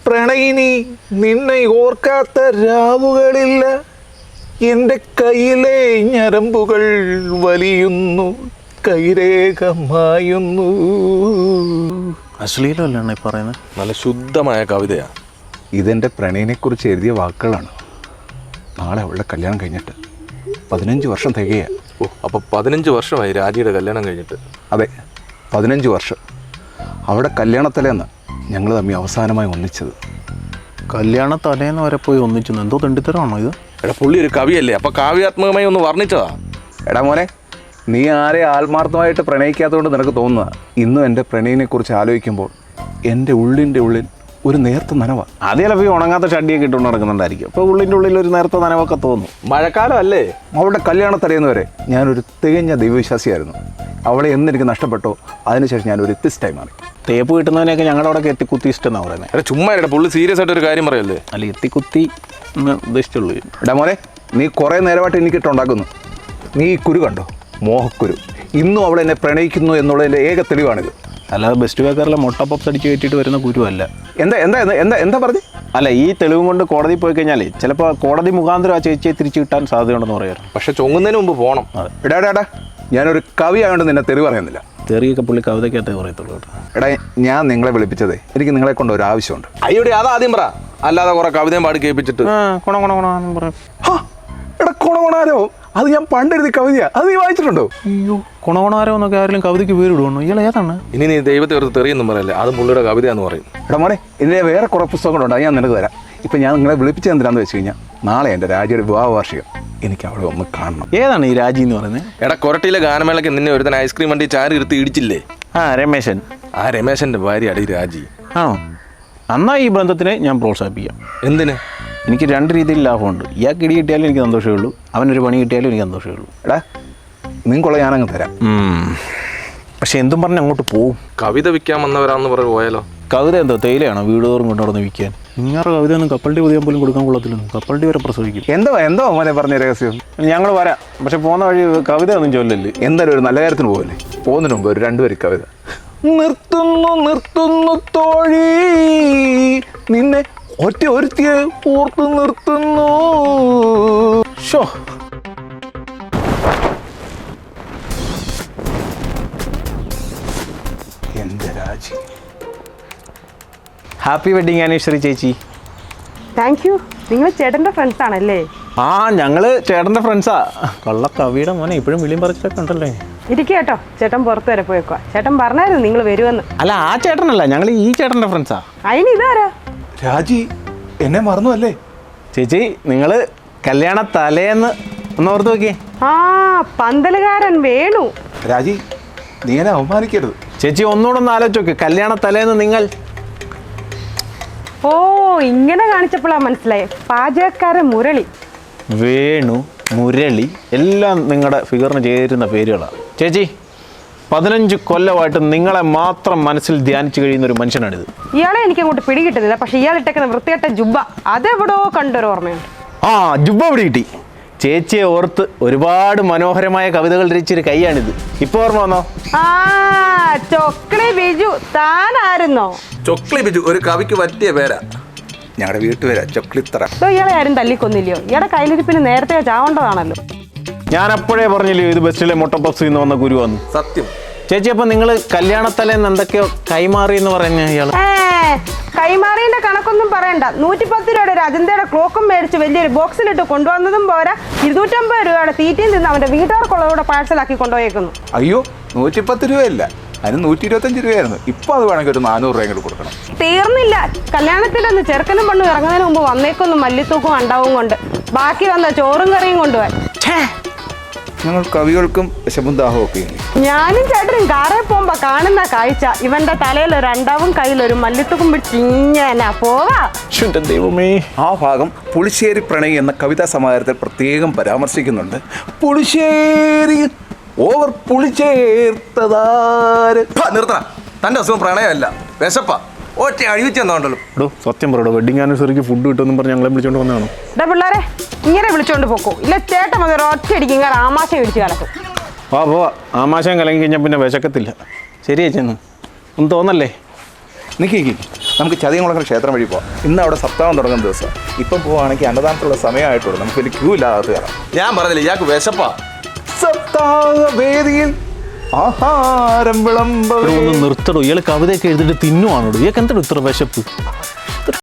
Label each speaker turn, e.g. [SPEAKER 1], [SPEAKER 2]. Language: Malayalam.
[SPEAKER 1] പ്രണയിനി നിന്നെ ഓർക്കാത്ത രാവുകളില്ല. എൻ്റെ കയ്യിലെ ഞരമ്പുകൾ വലിയുന്നു, കൈരേഖമായുന്നു.
[SPEAKER 2] അശ്ലീലമല്ലേ പറയുന്നത്?
[SPEAKER 3] നല്ല ശുദ്ധമായ കവിതയാണ്.
[SPEAKER 1] ഇതെൻ്റെ പ്രണയിനെക്കുറിച്ച് എഴുതിയ വാക്കുകളാണ്. നാളെ അവളുടെ കല്യാണം കഴിഞ്ഞിട്ട് 15 വർഷം തികയ.
[SPEAKER 3] ഓ, അപ്പോൾ 15 വർഷമായി രാജിയുടെ കല്യാണം കഴിഞ്ഞിട്ട്?
[SPEAKER 1] അതെ, 15 വർഷം. അവിടെ കല്യാണത്തലേന്ന് ഞങ്ങൾ തമ്മിൽ അവസാനമായി ഒന്നിച്ചത്.
[SPEAKER 2] കല്യാണ തലേന്ന് വരെ പോയി ഒന്നിച്ചു? എന്തോ തെണ്ടിത്തരമാണോ ഇത്?
[SPEAKER 3] എടാ, പുള്ളി ഒരു കവിയല്ലേ, അപ്പോൾ കാവ്യാത്മകമായി ഒന്ന് വർണ്ണിച്ചതാ.
[SPEAKER 1] എടാ മോനെ, നീ ആരെ ആത്മാർത്ഥമായിട്ട് പ്രണയിക്കാത്തതുകൊണ്ട് നിനക്ക് തോന്നുക. ഇന്നും എൻ്റെ പ്രണയിനെക്കുറിച്ച് ആലോചിക്കുമ്പോൾ എൻ്റെ ഉള്ളിൻ്റെ ഉള്ളിൽ ഒരു നേർത്ത നനവ.
[SPEAKER 2] അത് ചിലപ്പോൾ ഈ ഉണങ്ങാത്ത ഷഡിയൊക്കെ ഇട്ടുകൊണ്ട് നടക്കുന്നുണ്ടായിരിക്കും. അപ്പോൾ ഉള്ളിൻ്റെ ഉള്ളിൽ ഒരു നേർത്ത നനവൊക്കെ തോന്നും.
[SPEAKER 3] മഴക്കാലം അല്ലേ?
[SPEAKER 1] അവളുടെ കല്യാണത്തലേന്ന് വരെ ഞാനൊരു തികഞ്ഞ ദൈവവിശ്വാസിയായിരുന്നു. അവളെ എന്നെനിക്ക് നഷ്ടപ്പെട്ടോ അതിനുശേഷം ഞാനൊരു എത്തിസ്റ്റായി മാറി.
[SPEAKER 2] തേപ്പ് കിട്ടുന്നതിനൊക്കെ ഞങ്ങളുടെ അവിടെ എത്തിക്കുത്തി ഇഷ്ടം എന്നാണ് പറയുന്നത്.
[SPEAKER 3] എടാ ചുമ്മാ എടാ, പുള്ളി സീരിയസ് ആയിട്ട് ഒരു കാര്യം പറയല്ലേ?
[SPEAKER 2] അല്ല, എത്തിക്കുത്തി എന്ന് ഉദ്ദേശിച്ചുള്ളൂ.
[SPEAKER 1] എടാ മോനെ, നീ കുറേ നേരമായിട്ട് എനിക്കിട്ടുണ്ടാക്കുന്നു. നീ ഈ കുരു കണ്ടോ? മോഹക്കുരു. ഇന്നും അവൾ എന്നെ പ്രണയിക്കുന്നു എന്നുള്ളതിൻ്റെ ഏക തെളിവാണിത്.
[SPEAKER 2] അല്ലാതെ ബെസ്റ്റ് ബേക്കറിലെ മുട്ട പപ്സ് അടിച്ച് കയറ്റിയിട്ട് വരുന്ന കുരുവല്ല.
[SPEAKER 1] എന്താ എന്താ എന്താ എന്താ പറഞ്ഞു?
[SPEAKER 2] അല്ല, ഈ തെളിവും കൊണ്ട് കോടതി പോയി കഴിഞ്ഞാൽ ചിലപ്പോൾ കോടതി മുഖാന്തരം ആ ചേച്ചിയെ തിരിച്ചു കിട്ടാൻ സാധ്യതയുണ്ടെന്ന് പറയാറ്.
[SPEAKER 3] പക്ഷെ ചൊങ്ങുന്നതിന് മുമ്പ് പോകണം.
[SPEAKER 1] എടാ ഞാനൊരു കവി ആയതുകൊണ്ട് നിന്നെ തെറി പറയുന്നില്ല.
[SPEAKER 2] തെറിയൊക്കെ പുള്ളി കവിതയ്ക്കകത്തേ പറയത്തുള്ളൂ കേട്ടോ.
[SPEAKER 1] എടാ, ഞാൻ നിങ്ങളെ വിളിപ്പിച്ചതേ എനിക്ക് നിങ്ങളെ കൊണ്ട് ഒരു ആവശ്യമുണ്ട്.
[SPEAKER 3] അയ്യോടെ, അതാദ്യം പറ. അല്ലാതെ കുറെ കവിതയും പാടി കേൾപ്പിച്ചിട്ട്
[SPEAKER 1] എടാ കൊണകൊണാരോ, അത് ഞാൻ പണ്ടെഴുതി കവിതയാ. അത് നീ വായിച്ചിട്ടുണ്ടോ?
[SPEAKER 2] അയ്യോ, കുണകുണാരോ എന്നൊക്കെ ആരെങ്കിലും കവിതയ്ക്ക് പേര് ഇടുവണോ? ഇയാൾ ഏതാണ്?
[SPEAKER 3] ഇനി നീ ദൈവത്തെ വെറുതെ തെറിയൊന്നും പറയല്ലേ, അതും പുള്ളിയുടെ കവിതയാന്ന് പറയും.
[SPEAKER 1] എടാ മോനെ, ഇതിൻ്റെ വേറെ കുറേ പുസ്തകങ്ങളുണ്ട്, അത് ഞാൻ നിനക്ക് തരാം. ഇപ്പം ഞാൻ നിങ്ങളെ വിളിപ്പിച്ചത് എന്തിനാന്ന് വെച്ച് കഴിഞ്ഞാൽ നാളെ എൻ്റെ രാജിയുടെ വിവാഹ വാർഷികം. എനിക്ക് അവിടെ ഒന്ന് കാണണം.
[SPEAKER 2] ഏതാണ് ഈ രാജി എന്ന് പറയുന്നത്?
[SPEAKER 3] എടാ, കൊരട്ടിയിലെ ഗാനമേളയ്ക്ക് നിന്നെ ഒരുത്തൻ ഐസ്ക്രീം വണ്ടി ചാരി ഇരുത്തി ഇടിച്ചില്ലേ?
[SPEAKER 2] രമേശൻ.
[SPEAKER 3] ആ രമേശന്റെ ഭാര്യയാണ് ഈ രാജി.
[SPEAKER 2] ആണോ? എന്നാ ഈ ബന്ധത്തിനെ ഞാൻ പ്രോത്സാഹിപ്പിക്കാം.
[SPEAKER 3] എന്തിന്?
[SPEAKER 2] എനിക്ക് 2 രീതിയിൽ ലാഭമുണ്ട്. ഇയാൾക്ക് ഇടി കിട്ടിയാലും എനിക്ക് സന്തോഷമേ ഉള്ളൂ, അവനൊരു പണി കിട്ടിയാലും എനിക്ക് സന്തോഷമേ ഉള്ളൂ.
[SPEAKER 1] എടാ, നിങ്ങൾക്കുള്ള ഞാനങ്ങ് തരാം.
[SPEAKER 2] പക്ഷെ എന്തും പറഞ്ഞ് അങ്ങോട്ട് പോവും.
[SPEAKER 3] കവിത വിൽക്കാൻ വന്നവരാന്ന് പറഞ്ഞു പോയാലോ?
[SPEAKER 2] കവിത എന്തോ തേയിലയാണോ വീട് തോറും കൊണ്ടുനടന്ന് വിൽക്കാൻ? ഇങ്ങാറ് കവിത ഒന്നും കപ്പലണ്ടി പൊതിയാൻ പോലും കൊടുക്കാൻ കൊള്ളത്തില്ലെന്ന്. കപ്പലണ്ടി വരെ പ്രസവിക്കും.
[SPEAKER 1] എന്തോ മോനെ പറഞ്ഞ രഹസ്യം?
[SPEAKER 2] ഞങ്ങൾ വരാം, പക്ഷെ പോകുന്ന വഴി കവിത ഒന്നും ചൊല്ലല്ലേ.
[SPEAKER 1] എന്തായാലും ഒരു നല്ല കാര്യത്തിന് പോകല്ലേ. പോകുന്നതിന് മുമ്പ് ഒരു 2 വരി കവിത. നിർത്തുന്നു തോഴി നിന്നെ ഒറ്റ ഒരുത്തിയെ ഓർത്തു നിർത്തുന്നു. ഷോ, എന്റെ രാജി.
[SPEAKER 2] ഹാപ്പി വെഡിങ് ആനിവേഴ്സറി ചേച്ചി.
[SPEAKER 4] Thank you. നിങ്ങൾ ചേട്ടൻ്റെ ഫ്രണ്ട്സ് ആണല്ലേ?
[SPEAKER 2] ആ, ഞങ്ങള് ചേട്ടൻ്റെ ഫ്രണ്ട്സാ. കള്ള കവിയുടെ മോനെ ഇപ്പോഴും വിളിയും പറിച്ചിട്ടൊക്കെ ഉണ്ടല്ലേ.
[SPEAKER 4] ഇരിക്കുക കേട്ടോ, ചേട്ടൻ പുറത്ത് വരെ പോയേക്കുക. ചേട്ടൻ പറഞ്ഞായിരുന്നു നിങ്ങൾ വരുമെന്ന്.
[SPEAKER 2] അല്ല, ആ ചേട്ടനല്ല, ഞങ്ങൾ ഈ ചേട്ടൻ്റെ ഫ്രണ്ട്സാ.
[SPEAKER 4] അതിന് ഇതാരാ?
[SPEAKER 1] രാജി എന്നെ മറന്നു അല്ലേ?
[SPEAKER 2] ചേച്ചി, നിങ്ങൾ കല്യാണ തലേന്ന് ഒന്ന് ഓർത്ത് നോക്കിയേ.
[SPEAKER 4] ആ, പന്തലുകാരൻ വേണു.
[SPEAKER 1] രാജി, നീ എന്നെ അവമാനിക്കരുത്.
[SPEAKER 2] ചേച്ചി ഒന്നുകൂടെ ഒന്ന് ആലോചിച്ച് നോക്ക്. കല്യാണ തലേന്ന് നിങ്ങൾ
[SPEAKER 4] ഓ, ഇങ്ങനെ കാണിച്ചപ്പോഴാണ് മനസ്സിലായി. പാചകക്കാരൻ മുരളി.
[SPEAKER 2] വേണു, മുരളി എല്ലാം നിങ്ങളുടെ ഫിഗറിന് ചേരുന്ന പേരുകളാണ്. ചേച്ചി, 15 കൊല്ലമായിട്ട് നിങ്ങളെ മാത്രം മനസ്സിൽ ധ്യാനിച്ചു കഴിയുന്ന ഒരു മനുഷ്യനാണിത്.
[SPEAKER 4] ഇയാളെ എനിക്ക് അങ്ങോട്ട് പിടികിട്ടുന്നില്ല. പക്ഷെ ഇയാൾ ഇട്ടേക്കുന്ന വൃത്തികെട്ട ജുബ്ബ അതെവിടോ കണ്ടൊരു ഓർമ്മയുണ്ട്.
[SPEAKER 2] ആ, ജുബ്ബ പിടി കിട്ടി. ചേച്ചിയെ ഓർത്ത് ഒരുപാട് മനോഹരമായ കവിതകൾ രചിച്ചൊരു കൈയാണിത്. ഇപ്പൊ ഓർമ്മ വന്നോ?
[SPEAKER 4] ആ, ചൊക്ലി ബിജു താനായിരുന്നോ?
[SPEAKER 3] ചൊക്ലി ബിജു ഒരു കവിക്ക് പറ്റിയ പേരാ.
[SPEAKER 1] ഞങ്ങളുടെ വീട്ടുപേരാ ചൊക്ലിത്തറ.
[SPEAKER 4] ഇയാളെ ആരും തല്ലിക്കൊന്നില്ലയോ? ഇയാളുടെ കയ്യിലിരിപ്പിന് നേരത്തെ ചാവേണ്ടതാണല്ലോ.
[SPEAKER 2] ഞാൻ അപ്പോഴേ പറഞ്ഞില്ലേ ഇത് ബസ്സിലെ മുട്ടപ്പപ്സ് നിന്ന് വന്ന ഗുരു വന്നു.
[SPEAKER 3] സത്യം.
[SPEAKER 2] ചേച്ചി, അപ്പൊ നിങ്ങൾ കല്യാണത്തലേന്ന് എന്തൊക്കെയോ കൈമാറി എന്ന് പറഞ്ഞ ഇയാൾ?
[SPEAKER 4] കൈമാറിന്റെ കണക്കൊന്നും പറയണ്ട. 110 രൂപയുടെ ഒരു അജന്തയുടെ ക്ലോക്കും മേടിച്ച് വലിയൊരു ബോക്സിലിട്ട് കൊണ്ടുവന്നതും പോരാ, 250 രൂപയുടെ തീറ്റയും തിന്ന് അവന്റെ വീട്ടുകാർക്കുള്ളതോടെ പാഴ്സലാക്കി കൊണ്ടുപോയേക്കുന്നു.
[SPEAKER 1] അയ്യോ, 110 രൂപയല്ല, അതിന് 125 രൂപയായിരുന്നു. ഇപ്പൊ അത് വേണമെങ്കിൽ ഒരു 400 രൂപ കൊടുക്കണം.
[SPEAKER 4] തീർന്നില്ല. കല്യാണത്തിലൊന്ന് ചെറുക്കനും പെണ്ണും ഇറങ്ങുന്നതിന് മുമ്പ് വന്നേക്കൊന്നും മല്ലിത്തൂക്കും അണ്ടാവും കൊണ്ട് ബാക്കി വന്ന ചോറും കറിയും കൊണ്ടുപോയി.
[SPEAKER 1] ഞങ്ങൾ കവികൾക്കും വിശപ്പും ദാഹവും ഒക്കെ ഉണ്ട്.
[SPEAKER 4] ഞാനും ചേട്ടനും കാറേ പോകുമ്പോ കാണുന്ന കാഴ്ച ഇവന്റെ തലയിൽ ഒരു അണ്ടാവും കയ്യിലൊരു മല്ലിത്തൂക്കും പിടിച്ചിങ്ങനെ പോവാ.
[SPEAKER 2] ദൈവമേ.
[SPEAKER 1] ആ ഭാഗം പുളിശ്ശേരി പ്രണയി എന്ന കവിതാ സമാഹാരത്തിൽ പ്രത്യേകം പരാമർശിക്കുന്നുണ്ട്. പുളിശ്ശേരി ഓവർ പുളിച്ചേർത്തതാര്.
[SPEAKER 3] നിർത്തണം. തന്റെ അസുഖം പ്രണയമല്ല, വിശപ്പാ. ഒറ്റ അഴിവിച്ചെന്നോണ്ടല്ലോ.
[SPEAKER 2] സത്യം പറയടോ, വെഡിങ് ആനിവേഴ്സറിക്ക് ഫുഡ് കിട്ടുമെന്നും പറഞ്ഞ് ഞങ്ങളെ വിളിച്ചോണ്ട് വന്നതാണോ?
[SPEAKER 4] പിള്ളേരെ ഇങ്ങനെ വിളിച്ചോണ്ട് പോക്കോ, ഇല്ല ചേട്ടൻ മതി ഒറ്റ അടിക്കും ഇങ്ങനെ ആമാശം ഇടിച്ച് കലക്കും.
[SPEAKER 2] പോവാ. ആമാശം കലങ്ങി കഴിഞ്ഞാൽ പിന്നെ വിശക്കത്തില്ല. ശരി ചേച്ചി, ഒന്നും തോന്നല്ലേ.
[SPEAKER 1] നിൽക്കി നമുക്ക് ചതിയംകുളങ്ങര ക്ഷേത്രം വഴി പോവാം. ഇന്ന് അവിടെ സപ്താഹം തുടങ്ങുന്ന ദിവസം. ഇപ്പം പോവുകയാണെങ്കിൽ അന്നദാനത്തുള്ള സമയമായിട്ടുള്ളൂ. നമുക്ക് വലിയ ക്യൂ ഇല്ലാതെ കയറാം.
[SPEAKER 3] ഞാൻ പറഞ്ഞില്ല ഇയാൾക്ക് വിശപ്പാ.
[SPEAKER 1] സപ്താഹ വേദിയിൽ ആഹാരം വിളമ്പ
[SPEAKER 2] ഒന്ന് നിർത്തടോ, ഇയാൾ കവിതയൊക്കെ എഴുതിയിട്ട് തിന്നുവാണോ? ഇയാൾക്ക് എന്താണ് ഇത്ര വിശപ്പ്?